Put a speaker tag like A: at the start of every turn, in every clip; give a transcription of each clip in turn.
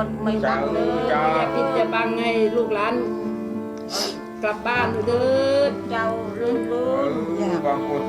A: คนไม่ดังเลยอย่าปิดอย่าบังให้ลูกหลานกลับบ้านเถิดเจ้าเรื่องบางคน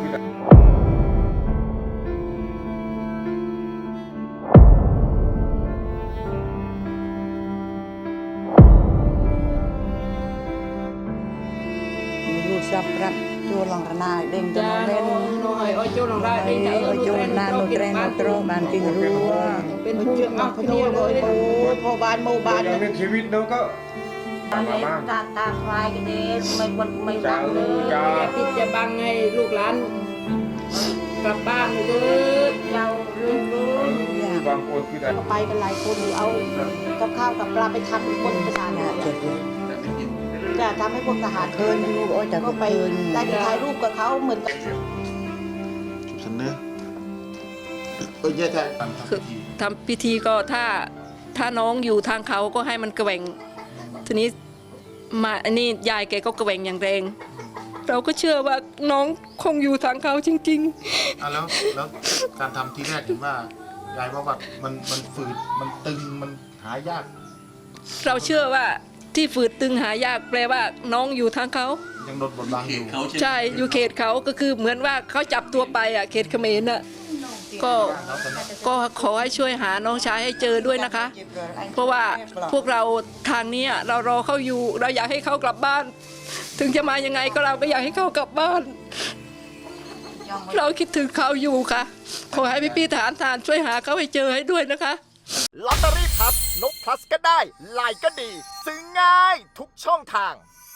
B: ซับรับจูหลังนาเด้งจะเล่น
A: น้อยอ้อยจูหลังได้เด้งจะ
B: จูนาโนเตรนโนโตรบานกิงรัว
A: เป็นผู้เอาคนเดียวเลยพอบานโมบาน
C: อย่างในชีวิตเราก็
A: ตาควายกันเองไม่ดังเลยอย่าปิดอย่าบังให้ลูกหลานกลับบ้านเถิดเจ้าเรื่อง
C: บางคนคือ
A: ไปกันหลายคนเอากับข้าวกับปลาไปทำบนประสานจะทำให้พวกทหาร
B: เคินอยู่โอ้จะ
A: ก็ไปได้ไปถ่ายรูปกับเขาเหมือนกัน
C: ฉันเนอะแย่ใจ
D: ทำพิธีก็ถ้าน้องอยู่ทางเขาก็ให้มันแกว่งทีนี้มาอันนี้ยายแกก็แกว่งอย่างแรงเราก็เชื่อว่าน้องคงอยู่ทางเขาจริง
E: ๆแล้วการทำที่แรกเห็นว่ายายว่ามันฝืดมันตึงมันหายาก
D: เราเชื่อว่าที่ฝืดตึงหายากแปลว่าน้องอยู่ทางเขา
E: ยังโดนบดบังอยู่
D: ใช่อยู่เขตเขาก็คือเหมือนว่าเขาจับตัวไปอ่ะเขตเขมรน่ะก็ขอให้ช่วยหาน้องชายให้เจอด้วยนะคะเพราะว่าพวกเราทางนี้เรารอเขาอยู่เราอยากให้เขากลับบ้านถึงจะมายังไงก็เราก็อยากให้เขากลับบ้านเราคิดถึงเขาอยู่ค่ะขอให้พี่ทหารช่วยหาเขาให้เจอให้ด้วยนะคะ
F: ลอตเตอรี่พับนกพลัสก็ได้ไลน์ก็ดีซื้อง่ายทุกช่องทาง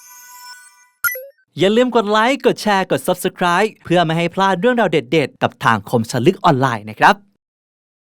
G: อย่าลืมกดไลค์กดแชร์กด Subscribe เพื่อไม่ให้พลาดเรื่องราวเด็ดๆกับทางคมชลึกออนไลน์นะครับ